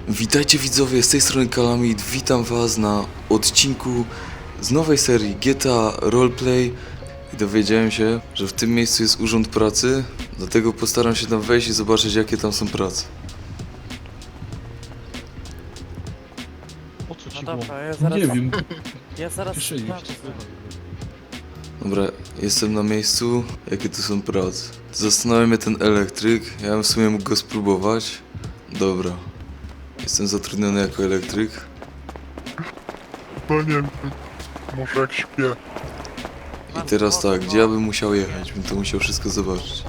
Witajcie widzowie, z tej strony Kalamid, witam was na odcinku z nowej serii GTA Roleplay i dowiedziałem się, że w tym miejscu jest urząd pracy, dlatego postaram się tam wejść i zobaczyć, jakie tam są prace. Po co ci No było? dobra, ja zaraz... Nie wiem, Ja zaraz... kieszeni sprawdzę. ci słuchaj. Dobra, jestem na miejscu, jakie tu są prace. Zastanawia mnie ten elektryk, ja bym w sumie mógł go spróbować. Dobra, jestem zatrudniony jako elektryk. No nie wiem, może jak śpię. I teraz tak, gdzie ja bym musiał jechać? Bym to musiał wszystko zobaczyć.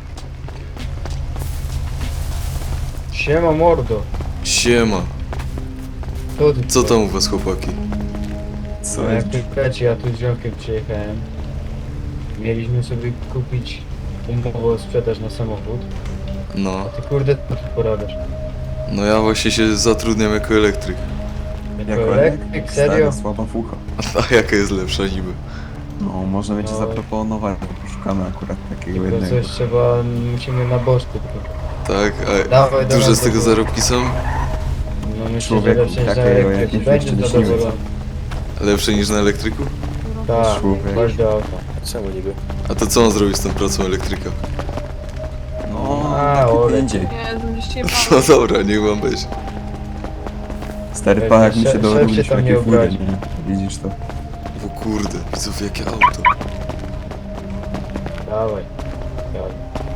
Siema mordo, Siema, to ty co tam u was chłopaki? Co jak pytacie, ja tu z ziomkiem przyjechałem. Mieliśmy sobie kupić umowę o sprzedaż na samochód. No, A ty kurde, co tu porabiasz? no ja właśnie się zatrudniam jako elektryk. Jako elektryk? Serio? Słaba fucha. A jaka jest lepsza niby? No, możemy ci No. zaproponować, bo szukamy akurat takiego Tylko jednego. coś trzeba, musimy na boczku tylko. Tak, a Dawaj, duże dawaj, z tego dawaj. zarobki są? No myślę, że Człowieku, lepsze niż na takiego elektryk. jakimś Będzie jeszcze nie śniło. zadowolony. Lepsze niż na elektryku? Tak, Człowiek. chodź do auta. Czemu niby? A to co on zrobi z tą pracą elektryka? No, A, taki ole. będzie. Nie, będziesz się No dobra, niech wam być. Stary pan, jak mi się Szef dowiedział, się w tam nie jakiej furze, obrazi. nie? Widzisz to? O kurde, widzów jakie auto. Dawaj. Dawaj.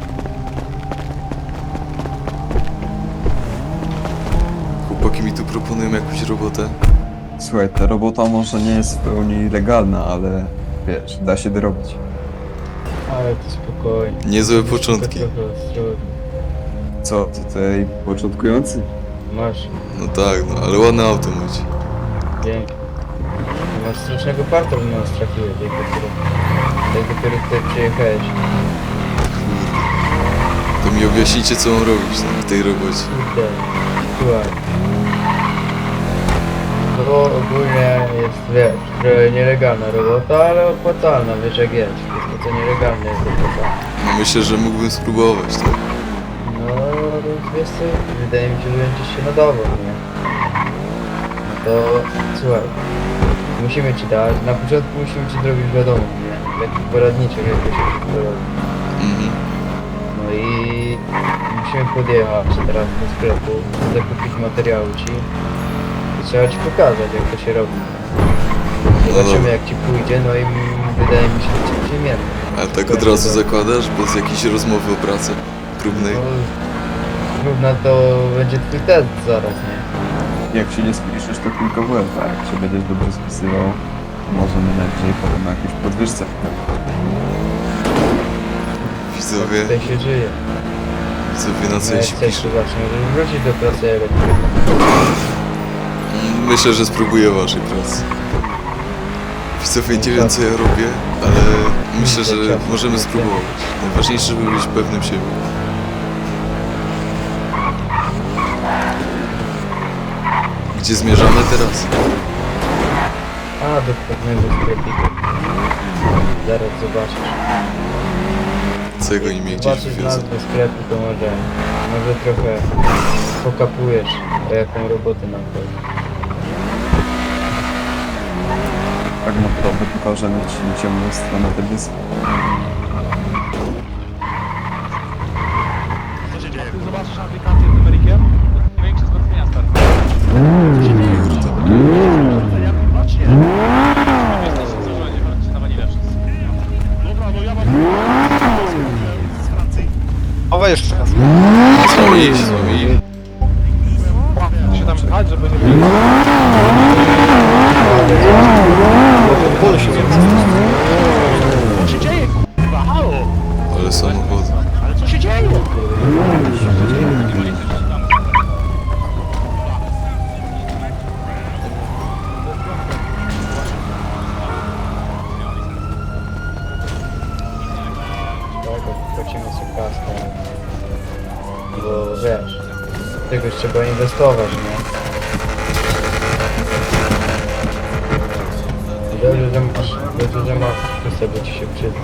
Chłopaki mi tu proponują jakąś robotę. Słuchaj, ta robota może nie jest w pełni legalna, ale wiesz, da się dorobić. Ale to spokojnie. Niezłe Tylko początki. trochę ostrożnie. Co, ty tutaj początkujący? Masz. No tak, no ale ładne auto macie. Pięknie. Masz strasznego parta, że nas trafiłeś, jak dopiero tutaj przyjechałeś. To mi objaśnijcie, co mam robić w tej robocie. Kurde, słuchaj. To ogólnie jest, wiesz, trochę nielegalna robota, ale opłacalna, wiesz jak jest. To co nielegalne jest opłacalne. No myślę, że mógłbym spróbować, tak? No, wiesz co, wydaje mi się, że będziesz się nadawał, nie? No to, słuchaj. Musimy ci dać, na początku musimy ci zrobić wiadomo, nie? Taki poradniczek, jak to się wszystko robi. Mhm. No i musimy podjechać teraz do sklepu, zakupić materiały ci i trzeba ci pokazać, jak to się robi. Zobaczymy, dobra. jak ci pójdzie, no i wydaje mi się, że cię przyjmiemy. A tak od razu zakładasz, bez jakiejś rozmowy o pracy próbnej? No, równa to będzie twój test zaraz, nie? Jak się nie spiszesz, to tylko w łeb, a jak się będziesz dobrze spisywał, możemy najwyżej potem na jakieś podwyżce. Widzowie, Tutaj się żyje. widzowie na co No ja jak się chcesz, piszę? to zacznę, żeby wrócić do pracy elektryka. Myślę, że spróbuję waszej pracy. Widzowie, nie wiem co ja robię, ale myślę, że możemy spróbować. Najważniejsze, żeby być pewnym siebie. Gdzie zmierzamy teraz? A, do pewnego sklepiku. Zaraz zobaczysz. Co oni mnie gdzieś Zobaczysz wywiozą? nazwę sklepu, to może trochę pokapujesz, o jaką robotę nam chodzi. Tak naprawdę pokażemy ci ciemną stronę tej wyspy. Ty zobaczysz aplikację z numerykiem? Większe zmartwienia, stary. Ja mam patrzcie. Jesteś złożenie, patrzcie na wanilę wszyscy. Dobra, no ja mam... z Francji. Owa jeszcze raz. Z wami. Się tam pchać, żeby nie było... Co się dzieje, kurwa, halo? Ale samochody. Ale co się dzieje? Tak, płacimy sobie kaskę. Bo wiesz, w czegoś trzeba inwestować, nie? Dobrze, że masz, to sobie ci się przyda.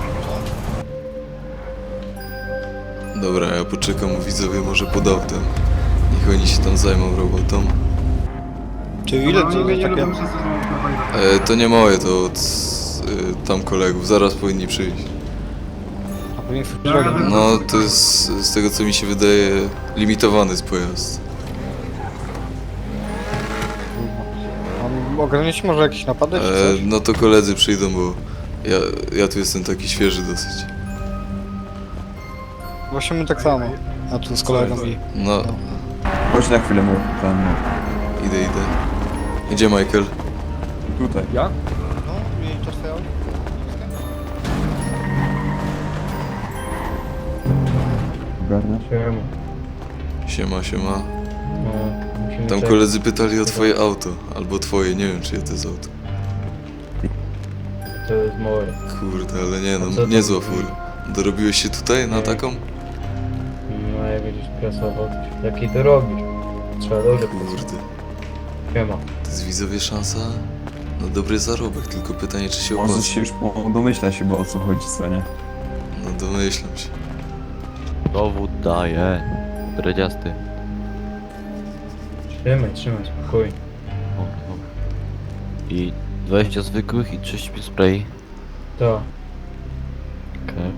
Dobra, ja poczekam, widzowie może pod autem. Niech oni się tam zajmą robotą. Czy ile to takie... To nie moje, to od tam kolegów, zaraz powinni przyjść. A powinien wchodzić. No, to jest z tego co mi się wydaje limitowany jest pojazd. On ograniczyć może jakieś napady czy coś? No to koledzy przyjdą, bo ja tu jestem taki świeży dosyć. Właśnie my tak samo. A tu z kolegą i... No, Chodź na chwilę, bo tam... idę. Gdzie Michael? Tutaj. No, i to twoje auto? Ogarniasz? Siema. Siema. No, musimy Tam czekać. koledzy pytali o twoje auto. Albo twoje, nie wiem czyje to jest auto. To jest moje. Kurde, ale nie A co no, to niezła robi? fura. Dorobiłeś się tutaj na Nie. taką? No jak będziesz prasował, to jaki to robisz? Trzeba dobrze pracować. Kurde. Siema. To jest widzowie szansa na dobry zarobek, tylko pytanie czy się Może opłaca. się już domyśla się, bo o co chodzi, co nie? No domyślam się. Dowód daje. Dredziasty. Trzymaj, spokojnie. O, dobra. I 20 zwykłych i 35 spray. To. Okej.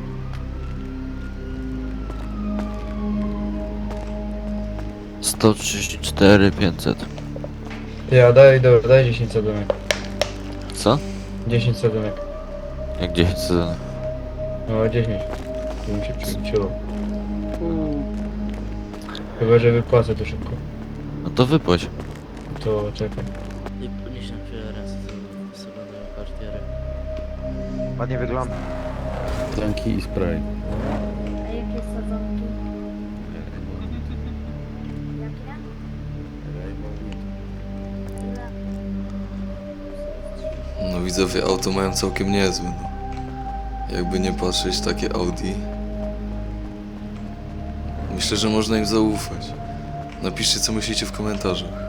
Sto 134 500. Ty, a daj 10 sadomek. Co? 10 sadomek. Jak 10 sezon? No 10. Tu mi się przeliczyło. Chyba, że wypłacę to szybko. No to wypłać. To czekaj. I podnieś na chwilę ręce do salonu kartiery. Ładnie wygląda. Tanki i spray. A jakie sadzonki? Jakie? Ile? No widzowie auto mają całkiem niezłe, no. Jakby nie patrzeć, takie Audi. Myślę, że można im zaufać. Napiszcie co myślicie w komentarzach.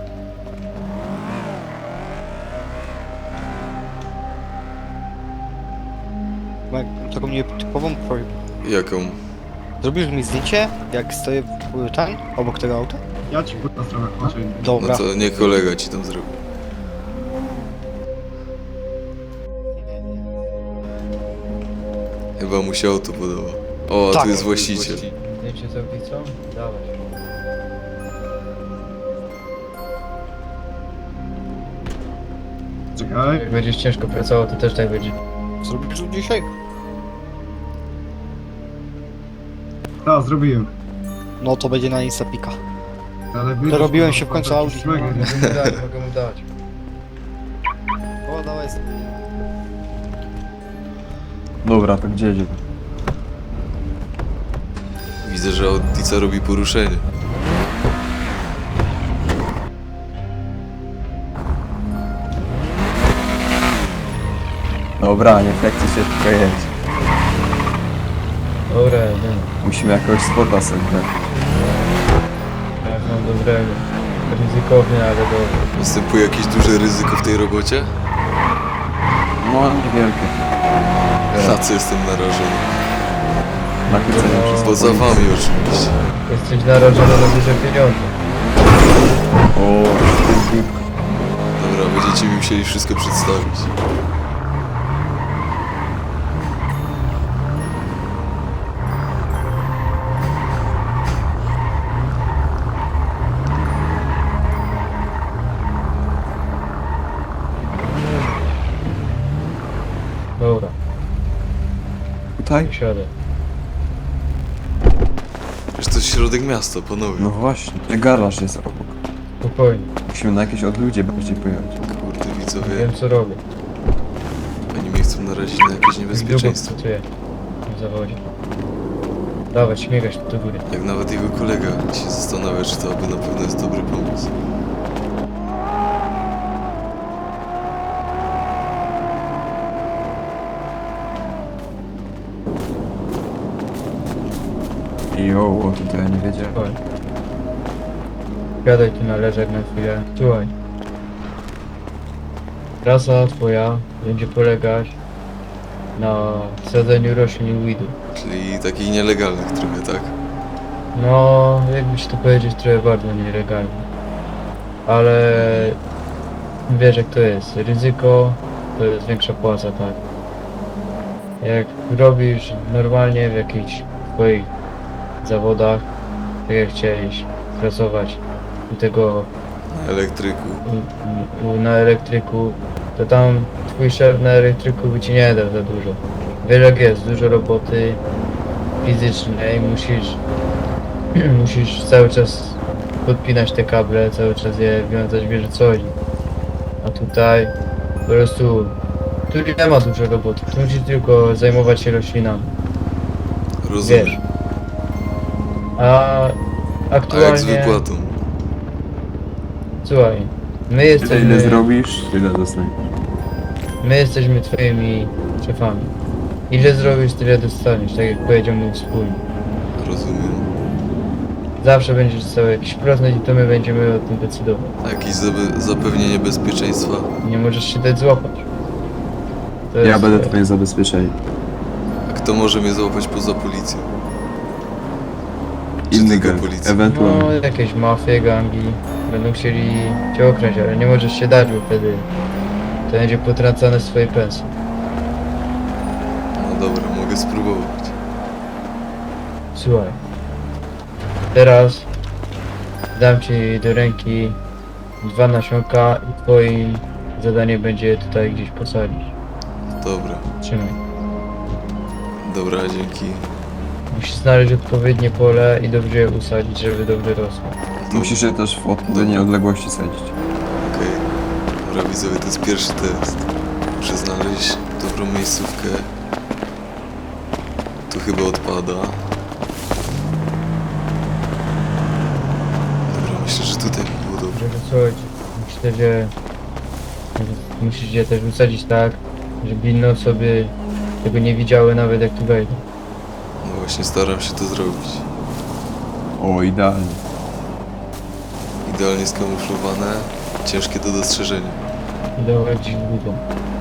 Mam taką nietypową prośbę. Jaką? Zrobisz mi zdjęcie, jak stoję w tam, obok tego auta? Ja ci podam stronę, Dobra. No to nie kolega ci tam zrobi. Chyba mu się auto podoba. O, a Tak. tu jest właściciel. Zdjęcie z audicą? Dawaj. Czekaj. Jak będziesz ciężko pracował, to też tak będzie. Zrobisz to dzisiaj? Tak, zrobiłem. No to będzie na Instapika. Ale Dorobiłem się w końcu Audi. Mogę mu dać. O, dawaj sobie. Dobra, to gdzie jedzie? Widzę, że Audica robi poruszenie. Dobra, nie flekcie się, tylko jedź. Dobra, nie. Musimy jakiegoś spota sobie wziąć. Ja mam dobrego. Ryzykowny, ale dobry. Występuje jakieś duże ryzyko w tej robocie? No, niewielkie. Na co jestem narażony? Nakrycenie No, wszystko. Poza wami oczywiście. Jesteś narażony na duże pieniądze. O, to jest głupka. Dobra, będziecie mi musieli wszystko przedstawić. Dobra, Tutaj? siadę. Wiesz, to jest środek miasta, panowie. No właśnie, garaż jest obok. Spokojnie, Musimy na jakieś odludzie bardziej pojechać. Kurde, widzowie, wiem co robię. oni mnie chcą narazić na jakieś Jak długo niebezpieczeństwo. pracuję w zawodzie. Dawaj, śmigasz do góry. Jak nawet jego kolega się zastanawia, czy to aby na pewno jest dobry pomysł. Jo, o, tutaj ja nie wiedziałem. Słuchaj. Gadaj tu na leżek na chwilę. Słuchaj. Trasa twoja będzie polegać na sadzeniu roślin weedu. Czyli takich nielegalnych trochę, tak? No, jakby ci to powiedzieć, trochę bardzo nielegalnie. Ale wiesz jak to jest. Ryzyko to jest większa płaca, tak. Jak robisz normalnie w jakichś swoich zawodach, tak jak chciałeś pracować u tego Elektryku. na elektryku, to tam twój szef na elektryku by ci nie dał za dużo. Wiesz jak jest, dużo roboty fizycznej, musisz cały czas podpinać te kable, cały czas je wiązać, wiesz o co chodzi. A tutaj po prostu, tu nie ma dużo roboty, tu musisz tylko zajmować się roślinami, Rozumiem. wiesz. A A jak z aktualnie, wypłatą? słuchaj, my Tyle ile jesteśmy, zrobisz, tyle dostaniesz. my jesteśmy twoimi szefami. Ile zrobisz, tyle dostaniesz, tak jak powiedział mój wspólnik. Rozumiem. Zawsze będziesz dostał jakiś procent i to my będziemy o tym decydować. A jakieś zapewnienie bezpieczeństwa? Nie możesz się dać złapać. To Ja jest- będę twoim zabezpieczeniem. A kto może mnie złapać poza policją? Czy Inny tylko gang, policja? ewentualnie. No, jakieś mafie, gangi będą chcieli cię okraść, ale nie możesz się dać, bo wtedy to będzie potracane swoje pensje. No dobra, mogę spróbować. Słuchaj, teraz dam ci do ręki 2 nasionka i twoim zadanie będzie je tutaj gdzieś posadzić. Dobra, Trzymaj. dobra, dzięki. Musisz znaleźć odpowiednie pole i dobrze je usadzić, żeby dobrze rosło. Musisz je też w odpowiedniej odległości sadzić. Okej. Dobra, widzowie, to jest pierwszy test. Muszę znaleźć dobrą miejscówkę. Tu chyba odpada. Dobra, myślę, że tutaj by było dobrze. Żeby coś, myślę, że musisz je też usadzić tak, żeby inne osoby tego nie widziały nawet jak tu wejdą. No właśnie, staram się to zrobić. O, idealnie. Idealnie skamuflowane, ciężkie do dostrzeżenia. I dawać ich budą.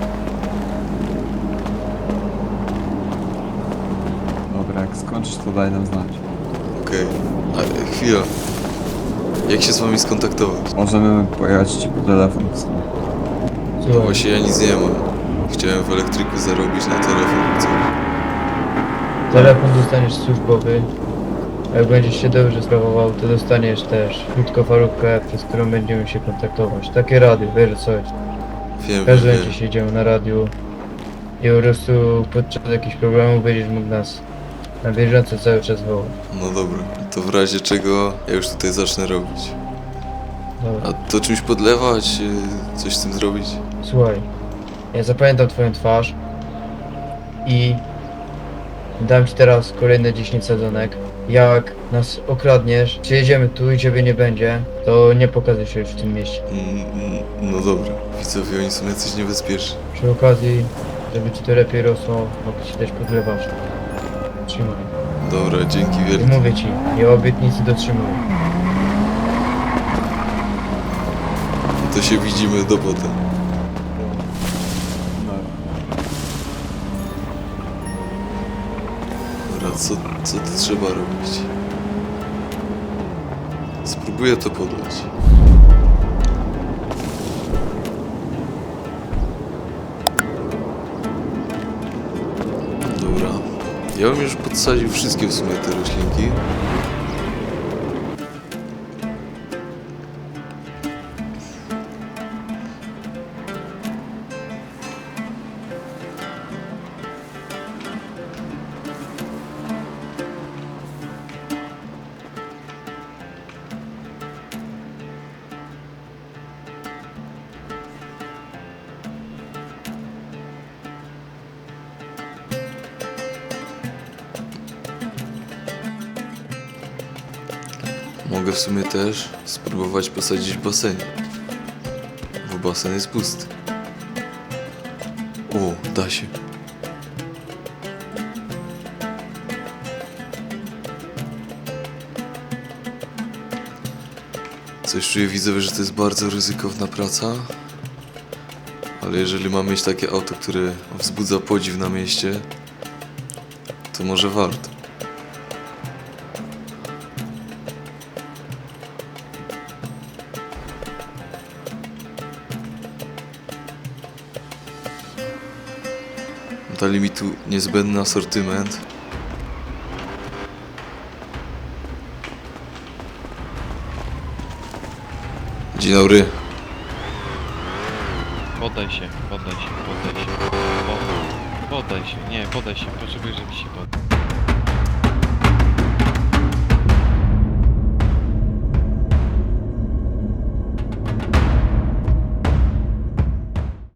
Dobra, jak skończysz, to daj nam znać. Okej. A chwila. Jak się z wami skontaktować? Możemy pojechać ci po telefon w sumie. Słuchaj, Właśnie ja nic nie mam. Chciałem w elektryku zarobić na telefon. Co? telefon dostaniesz służbowy. A jak będziesz się dobrze sprawował, to dostaniesz też krótkofalówkę, przez którą będziemy się kontaktować. Takie rady, wiesz coś. Wiem, Każdy wiem, będzie wiem. siedział na radiu i po prostu podczas jakichś problemów będziesz mógł nas na bieżąco cały czas wołać. No dobra. To w razie czego ja już tutaj zacznę robić. Dobra. A to czymś podlewać? Coś z tym zrobić? Słuchaj, ja zapamiętam twoją twarz i dam ci teraz kolejne 10 sadzonek. Jak nas okradniesz, przyjedziemy tu i ciebie nie będzie, to nie pokazuj się już w tym mieście. No dobra. Widzowie, oni są jacyś niebezpieczni. Przy okazji, żeby ci to lepiej rosło, mogę ci dać podlewasz. Trzymaj. Dobra, dzięki I wielkie. mówię ci, ja obietnicy dotrzymuję. To się widzimy do potem. Dobra, co to trzeba robić? Spróbuję to podać. Dobra. Ja bym już podsadził wszystkie w sumie te roślinki. Mogę w sumie też spróbować posadzić w basenie. Bo basen jest pusty. O, da się. Coś czuję, widzę, że to jest bardzo ryzykowna praca. Ale jeżeli mam mieć takie auto, które wzbudza podziw na mieście, to może warto. Dali mi tu niezbędny asortyment. Dzień dobry. Poddaj się, poddaj się, poddaj się. Poddaj się, nie, poddaj się, potrzebuję, żebyś się poddał.